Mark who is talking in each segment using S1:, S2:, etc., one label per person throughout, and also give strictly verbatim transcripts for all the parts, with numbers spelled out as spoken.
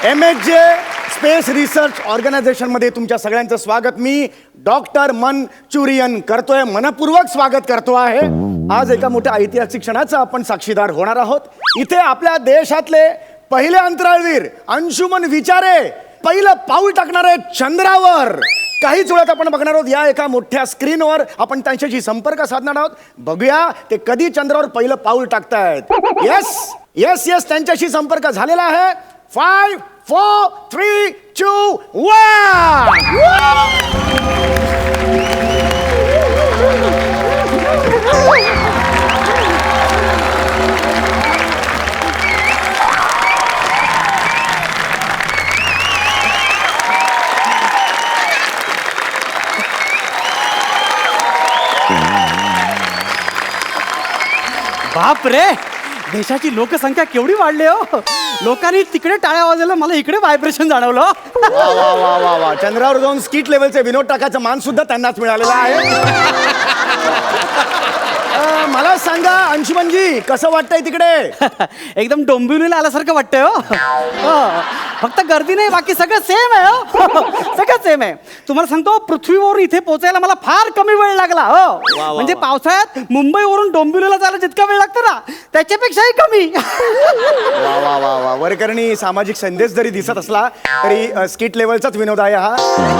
S1: M H J space research ऑर्गनायझेशनमध्ये तुमच्या सगळ्यांचं स्वागत. मी डॉक्टर मनचुरियन करतोय, मनपूर्वक स्वागत करतो आहे. आज एका मोठ्या ऐतिहासिक क्षणाचा आपण साक्षीदार होणार आहोत. इथे आपल्या देशातले पहिले अंतराळवीर अंशुमन विचारे पहिलं पाऊल टाकणार आहेत चंद्रावर. काहीच वेळात आपण बघणार आहोत या एका मोठ्या स्क्रीनवर. आपण त्यांच्याशी संपर्क साधणार आहोत. बघूया ते कधी चंद्रावर पहिलं पाऊल टाकतायत. येस येस येस त्यांच्याशी संपर्क झालेला आहे. Five four three two one.
S2: बाप रे, देशाची लोकसंख्या केवढी वाढली हो. लोकांनी तिकडे टाळ्या वाजवल्या, मला इकडे व्हायब्रेशन जाणवलं.
S1: वा वा वा वा वा. चंद्रावर जाऊन स्किट लेवलचे विनोद टाकायचं मान सुद्धा त्यांनाच मिळालेला आहे. मला सांगा अंशुमनजी, कसं वाटतंय तिकडे?
S2: एकदम डोंबिवलीला आल्यासारखं वाटतंय हो. हो. फक्त गर्दी नाही, बाकी सगळं सेम आहे हो. सगळं सेम आहे. तुम्हाला सांगतो, पृथ्वीवरून इथे पोहोचायला मला फार कमी वेळ लागला हो. म्हणजे पावसाळ्यात मुंबईवरून डोंबिवलीला जायला जितका वेळ लागतो ना, त्याच्यापेक्षाही कमी.
S1: वा वा वा वा. वरकरणी सामाजिक संदेश जरी दिसत असला तरी स्किट लेवलचाच विनोद आहे हा.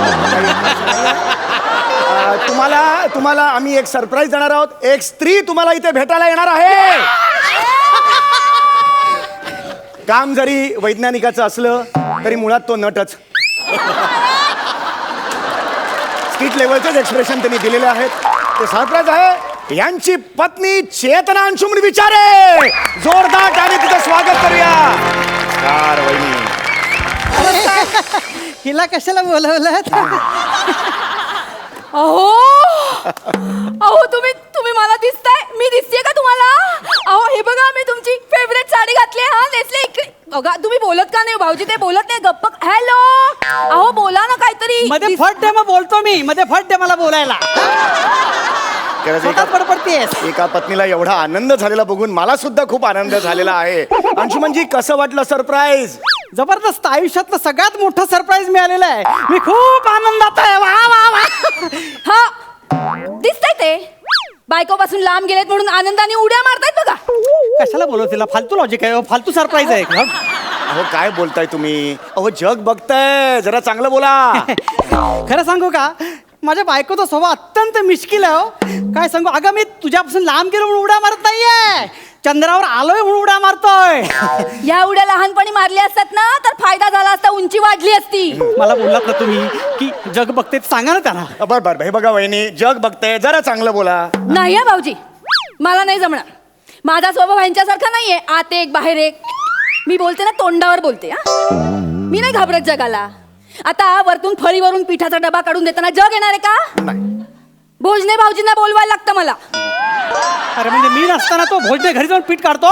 S1: तुम्हाला तुम्हाला आम्ही एक सरप्राईज देणार आहोत. एक स्त्री तुम्हाला इथे भेटायला येणार आहे. काम जरी वैज्ञानिकाचं असलं तरी मुळात तो नटच. स्किट लेवलचेच एक्सप्रेशन त्यांनी दिलेले आहेत. ते सरप्राईज आहे. यांची पत्नी चेतना अंशुमन विचारे. जोरदार टाळी तिचं स्वागत करूया. कार वहिनी,
S2: हिला कशाला बोलवलं?
S3: अहो अहो तुम्ही तुम्ही मला दिसताय, मी दिसतेय का तुम्हाला? अहो हे बघा, मी तुमची फेवरेट साडी घातली. हा नेसले इकडे बघा. तुम्ही बोलत का नाही भाऊजी? ते बोलत नाही, गप्प. हॅलो, अहो बोला ना काहीतरी.
S2: मध्ये फट दे, मग बोलतो मी. मध्ये फट दे मला बोलायला.
S1: एका पत्नीला एवढा आनंद झालेला बघून मला सुद्धा खूप आनंद झालेला आहे. अंशुमनजी, कसं वाटलं सरप्राईज?
S2: जबरदस्त. आयुष्यातलं सगळ्यात मोठं सरप्राईज मिळालेलं आहे. मी खूप आनंदात आहे. वा वा वा.
S3: हा दिसतंय ते बायकोपासून लांब गेलेत म्हणून आनंदाने उड्या मारतायत बघा.
S2: कशाला बोलव तिला? फालतू लॉजिक आहे, फालतू सरप्राईज आहे.
S1: अहो काय बोलताय तुम्ही? अहो जग बघताय, जरा चांगलं बोला.
S2: खरं सांगू का, माझ्या बायकोचा स्वभाव अत्यंत मिश्किल आहे हो. काय सांगू, अगं मी तुझ्यापासून लांब गेलो म्हणून उड्या मारत नाहीये, चंद्रावर आलोय म्हणून उड्या मारतोय.
S3: या उड्या लहानपणी मारल्या असतात ना तर फायदा झाला असता, उंची वाढली असती.
S2: मला बोललात ना तुम्ही की जग बघते, सांगा ना त्यांना.
S1: बर बर हे बघा वहिनी, जग बघते, जरा चांगलं बोला.
S3: नाही भाऊजी, मला नाही जमणार. माझा स्वभाव ह्यांच्यासारखा नाहीये, आत एक बाहेर एक. मी बोलते ना तोंडावर बोलते. हा, मी नाही घाबरत जगाला. आता वरतून फळीवरून पिठाचा डबा काढून देताना जग येणार आहे का? भोजने भाऊजींना बोलवायला लागतं मला.
S2: अरे म्हणजे मी नसताना तो भोजने घरी जाऊन पीठ काढतो?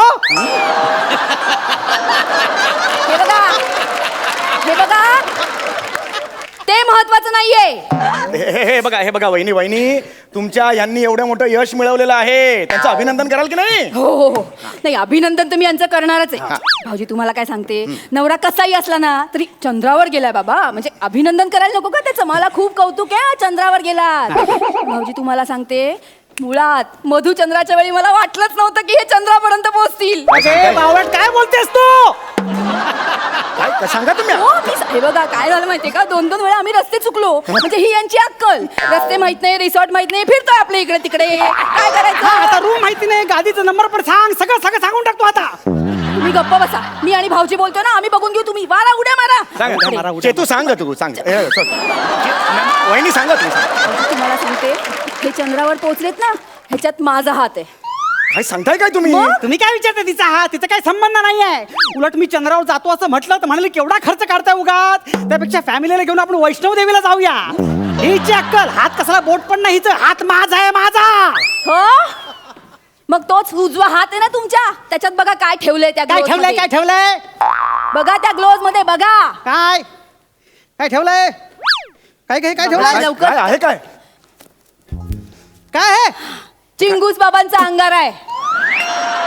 S3: हे बघा, हे बघा, ते महत्वाचं नाहीये.
S1: हे हे बघा हे बघा वहिनी वहिनी तुमच्या यांनी एवढं मोठं यश मिळवलेलं आहे, त्यांचं अभिनंदन कराल की नाही?
S3: हो हो हो. नाही, अभिनंदन तर मी यांचं करणारच आहे. भाऊजी तुम्हाला काय सांगते, नवरा कसाही असला ना तरी चंद्रावर गेलाय बाबा, म्हणजे अभिनंदन करायला नको का त्याचं? मला खूप कौतुक आहे, चंद्रावर गेलात. भाऊजी तुम्हाला सांगते, मुळात मधुचंद्राच्या वेळी मला वाटलंच नव्हतं की हे चंद्रापर्यंत पोहोचतील.
S2: बावट काय बोलतेस तू?
S1: काय सांगा तुम्ही?
S3: हो, मी हे बघा काय झालं माहितीये का, दोन दोन वेळा आम्ही रस्ते चुकलो. म्हणजे ही यांची अक्कल. रस्ते माहित नाही, रिसॉर्ट माहित नाही, फिरतोय आपल्या इकडे तिकडे. काय करायचं?
S2: आता रूम माहिती नाही, गादीचा नंबर पण सांग, सगळं सगळं सांगून टाकतो आता.
S3: तुम्ही गप्प बसा. मी आणि भाऊजी बोलतोय ना, आम्ही बघून घेऊ. तुम्ही वारा उड्या मारा.
S1: सांगा चेतू, सांग तू सांग. वहिनी सांगा तू.
S3: तुम्हाला सांगते, हे चंद्रावर पोहोचलेत ना, ह्याच्यात माझा हात आहे.
S1: काय सांगताय काय तुम्ही?
S2: तुम्ही काय विचारता तिचा हात? तिचा काही संबंध नाहीये. उलट मी चंद्रावर जातो असं म्हटलं तर म्हणाले केवढा खर्च काढताय उगाच, त्यापेक्षा फॅमिलीला घेऊन आपण वैष्णव देवीला जाऊया. हिची अक्कल, हात कसला बोट पण नाही, हात माझा आहे, माझा.
S3: हो, मग तोच उजवा हात आहे ना तुमच्या, त्याच्यात बघा काय ठेवलंय. त्या
S2: काय ठेवलंय? काय ठेवलंय?
S3: बघा त्या ग्लोव्ज मध्ये बघा.
S2: काय काय ठेवलंय? काय काय काय ठेवलंय?
S3: लवकर.
S1: काय आहे? काय
S2: काय आहे?
S3: चिंगूस बाबांचा अंगार आहे.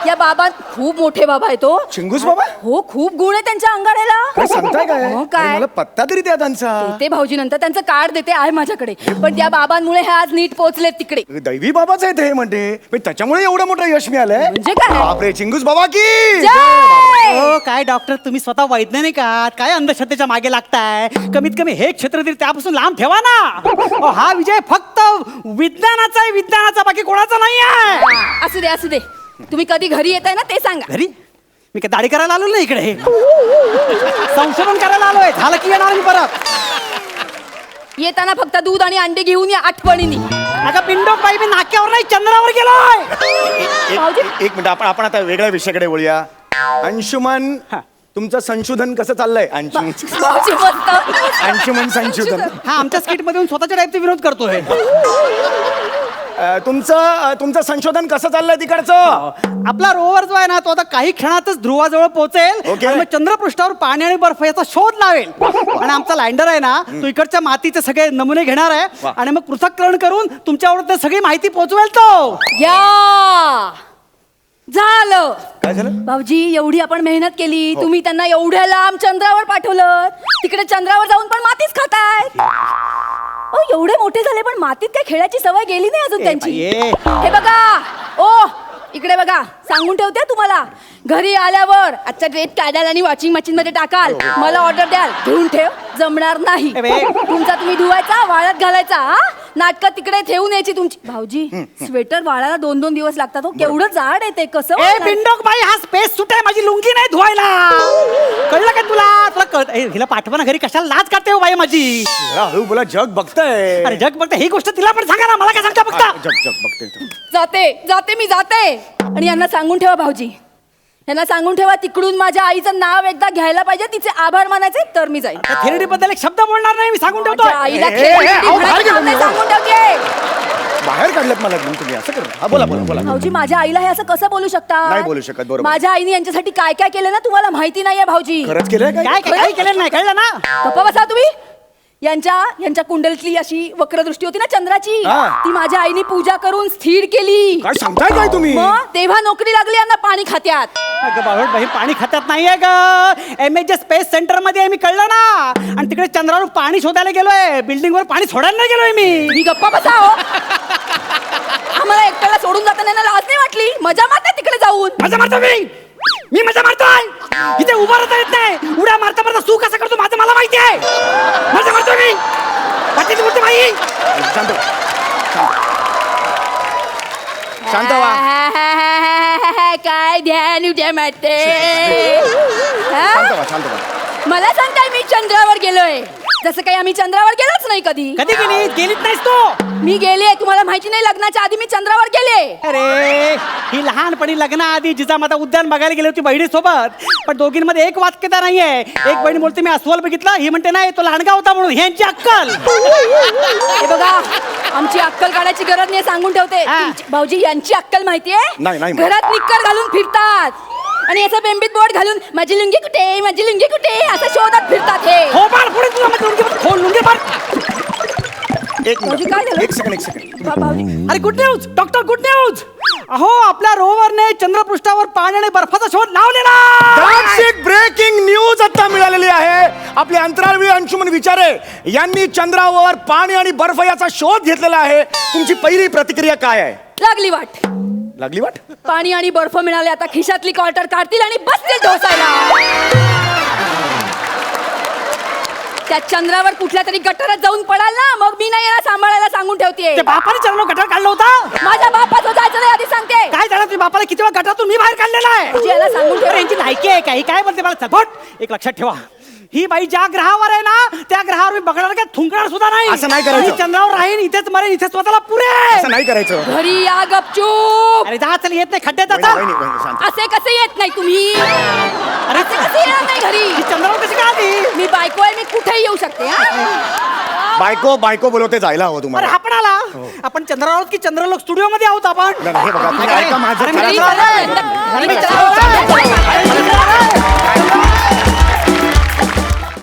S3: या बाबा खूप मोठे बाबा आहे तो.
S1: चिंगूस बाबा?
S3: हो, खूप गुण आहे त्यांच्या अंगाऱ्याला.
S1: काय सांगताय काय?
S3: हो,
S1: अरे,
S3: काय
S1: मला पत्ता तरी द्या त्यांचा.
S3: ते भाऊजी नंतर त्यांचं कार्ड देते आहे माझ्याकडे. पण त्या बाबांमुळे हे आज नीट पोहोचलेत तिकडे.
S1: दैवी बाबाच आहे ते म्हणते पण त्याच्यामुळे एवढं मोठं यश मिळालंय.
S3: म्हणजे काय?
S1: बापरे, चिंगूस बाबा की
S3: जय!
S2: हो काय डॉक्टर तुम्ही स्वतः वैज्ञानिक आहात, काय अंधश्रद्धेच्या मागे लागताय? कमीत कमी हे क्षेत्र तरी त्यापासून लांब ठेवा ना. अहो, हा विजय फक्त विज्ञानाचा आहे, विज्ञानाचा, बाकी कोणाचा नाही आहे.
S3: असू दे असू दे. तुम्ही कधी घरी येताय ना ते सांगा.
S2: घरी मी काय दाढी करायला आलो ना इकडे, संशोधन करायला आलोय. झालं की येणार मी परत.
S3: येताना फक्त दूध आणि अंडे घेऊन या आठवणीने.
S2: अगं पिंडोक बाई, मी नाक्यावर नाही चंद्रावर गेलोय.
S3: भाऊजी?
S1: एक एक मिनिट, आपण आपण आता वेगळ्या विषयाकडे वळूया. अंशुमन,
S2: हा.
S1: तुमचं संशोधन कसं चाललंय? अंशुमन
S3: भाऊजी मस्त.
S1: अंशुमन संशोधन.
S2: हा आमच्या स्किट मध्ये येऊन स्वतःच्या टाईपचे विनोद करतोय.
S1: अ, तुमचं अ, तुमचं संशोधन कसं चाललंय तिकडचं?
S2: आपला रोवर जो आहे ना तो आता काही क्षणातच ध्रुवाजवळ पोहोचेल
S1: ओके.
S2: आणि मग चंद्रपृष्ठावर पाणी आणि बर्फ याचा शोध लावेल. आणि आमचा लँडर आहे ना तो इकडच्या मातीचे सगळे नमुने घेणार आहे
S1: वा.
S2: आणि मग पृथक्करण करून तुमच्यावर ते सगळी माहिती पोहोचवेल तो.
S3: या झालं.
S1: काय झालं?
S3: भाऊजी एवढी आपण मेहनत केली, तुम्ही त्यांना एवढ्या लांब चंद्रावर पाठवलं, तिकडे चंद्रावर जाऊन पण मातीच खाताय. ओ एवढे मोठे झाले पण मातीत काय खेळायची सवय गेली नाही अजून त्यांची.
S2: बाई,
S3: हे बघा ओ इकडे बघा, सांगून ठेवते तुम्हाला. घरी आल्यावर आजचा ड्रेस काढाल आणि वॉशिंग मशीन मध्ये टाकाल, मला ऑर्डर द्याल, धुवून ठेव, जमणार नाही.
S2: ए बे.
S3: तुमचा तुम्ही धुवायचा, वाळत घालायचा. हा नाटकं तिकडे ठेवून यायची तुमची. भाऊजी स्वेटर वाळायला दोन दोन दिवस लागतात. हो केवढं जाड आहे ते, कसं
S2: ए
S3: वाळणार?
S2: पिंडोक बाई, हा स्पेस सुट आहे, माझी लुंगी नाही धुवायला. कळलं का तुला? तुला कळत ए, हिला पाठवा ना घरी, कशाला लाज काढते हो बाई माझी.
S1: जरा हळू बोला, जग बघतंय.
S2: अरे जग बघते, ही गोष्ट तिला पण सांगा ना, मला काय सांगता बघता.
S1: जग जग बघतंय.
S3: जाते जाते मी जाते. आणि यांना सांगून ठेवा भाऊजी, यांना सांगून ठेवा तिकडून माझ्या आईचं नाव एकदा घ्यायला पाहिजे, तिचे आभार मानायचे, तर मी जाईन.
S2: थेरडी बद्दल एक शब्द बोलणार नाही मी, सांगून ठेवतो.
S3: माझ्या आईला
S1: ए, ए,
S3: खेळ
S1: ए, अहो, बाहेर
S3: म्हणायचं
S1: गेलो
S3: नाही,
S1: मी.
S3: सांगून ठेवते.
S1: बाहेर काढलं मला घेऊन तुम्ही असं करू. हा बोला बोला बोला.
S3: भाऊजी माझ्या आईला हे असं कसं बोलू शकता?
S1: नाही बोलू शकत, बरोबर.
S3: माझ्या आईने यांच्यासाठी काय काय केलं ना तुम्हाला माहिती नाहीये भाऊजी.
S1: खरंच केलंय काय?
S2: काय काय काही केलेलं नाही, कळलं ना?
S3: गप्पा बसा तुम्ही. यांच्या यांच्या कुंडलीतली अशी वक्रदृष्टी होती ना चंद्राची,
S1: हा.
S3: ती माझ्या आईने पूजा करून स्थिर केली.
S1: काय सांगताय काय तुम्ही?
S3: मग तेव्हा नोकरी लागली यांना पाणी खात्यात.
S2: अगं बावळट बाई, पाणी खात्यात नाहीये ग. एम एच स्पेस सेंटर मध्ये आहे मी, कळलं ना? आणि तिकडे चंद्रावर पाणी शोधायला गेलोय, बिल्डिंग वर पाणी सोडायला नाही गेलोय मी.
S3: मी गप्पा बसा हो. आम्हाला एकट्याला सोडून जाताना यांना लाज नाही वाटली? मजा मारता तिकडे जाऊन.
S2: मजा मारतो मी मी मजा मारतोय. इथे उभा राहता येत नाही, उड्या मारता मारता तू कसं करतो माझं मला माहिती आहे. मजा मारतोय मी. बाकीची गोष्ट बाई.
S1: शांत व्हा. शांत व्हा.
S3: काय ध्यान उद्या मारते.
S1: शांत व्हा, शांत व्हा.
S3: मला सांगताय मी चंद्रावर गेलोय, जसं काही आम्ही चंद्रावर गेलोच नाही कधी.
S2: कधी गेली गेलीच नाहीस तू.
S3: मी गेले, तुम्हाला माहिती नाही, लग्नाच्या आधी मी चंद्रावर गेले.
S2: अरे ही लहानपणी लग्नाआधी जिजामाता उद्यान बघायला गेली होती बहिणी सोबत, पण दोघींमध्ये एक वाक्यता नाहीये. एक बहीण बोलते मी अस्वल बघितला, ही म्हणते नाही तो लहानगा होता म्हणून. ह्यांची अक्कल.
S3: हे बघा आमची अक्कल काढायची गरज नाही, सांगून ठेवते.
S2: हा.
S3: तुमची- भाऊजी यांची अक्कल माहितीये?
S1: नाही, नाही.
S3: घरात निक्कर घालून फिरतात आणि याचं बेंबीत बोर्ड घालून माझी लुंगी कुठे माझी लुंगी कुठे असं शोधत फिरतात हे.
S2: हो बाळ, पुढे तुला मग लुंगी बघ, खोल लुंगी बघ.
S1: एक
S3: भाऊजी,
S1: मिनिट,
S3: काय झालं?
S1: एक सेकंड एक सेकंड.
S3: भा- भाऊजी
S2: अरे good news doctor, good news. अहो आपल्या रोवरने चंद्रपृष्ठावर पाणी आणि बर्फाचा शोध लावलेला.
S1: That's it, ब्रेकिंग न्यूज आता मिळालेली आहे. आपले अंतराळवीर अंशुमन विचारे यांनी चंद्रावर पाणी आणि बर्फ याचा शोध घेतलेला आहे. तुमची पहिली प्रतिक्रिया काय आहे?
S3: लागली वाट.
S1: लागली वाट?
S3: पाणी आणि बर्फ मिळाले, आता खिशातली क्वार्टर काढतील आणि बसतील ढोसायला. त्या चंद्रावर कुठल्या तरी गटारात जाऊन पडाल ना, मग मी नाही याला सांभाळायला, सांगून ठेवते.
S2: ते बापाने चरण गटार काढला होता.
S3: माझ्या बापाचं जायचं नाही आधी सांगते.
S2: काय झालं तुम्ही बापाला किती वेळा गटारातून मी बाहेर काढलेला आहे.
S3: भाऊजी, याला सांगून ठेवा.
S2: अरे, यांची लायकी आहे काही काय बोलते मला सपोर्ट. एक लक्षात ठेवा, ही बाई ज्या ग्रहावर आहे ना त्या ग्रहावर मी बघणार काय थुंकणार सुद्धा नाही.
S1: असं नाही करायचं.
S2: मी चंद्रावर राहीन, इथेच मरेन, इथेच स्वतःला पुरे.
S1: असं नाही करायचं.
S3: घरी या गपचूप.
S2: अरे जा चल, येत नाही खड्ड्यात
S1: वहिनी,
S2: जाता.
S1: वहिनी, वहिनी, शांत.
S3: असे कसे येत नाही तुम्ही?
S2: अरे
S3: असे कसे येणार नाही घरी?
S2: ही चंद्रावर कशी काय आली?
S3: मी बायको आहे, मी कुठेही येऊ शकते. हा?
S1: बायको बायको बोलवते जायला हवं
S2: अरे
S1: तुम्हाला.
S2: आपण आला. आपण चंद्रावर आहोत की चंद्रलोक स्टुडिओ मध्ये आहोत आपण?
S1: नाही, हे बघा, तुम्ही
S2: अरे,
S1: ऐका माझं.
S2: अरे,
S3: घरी
S2: चला,
S3: चला,
S2: चला.
S3: घरी
S2: अरे,
S3: चला,
S2: चला,
S3: चला, चला, चला, चला.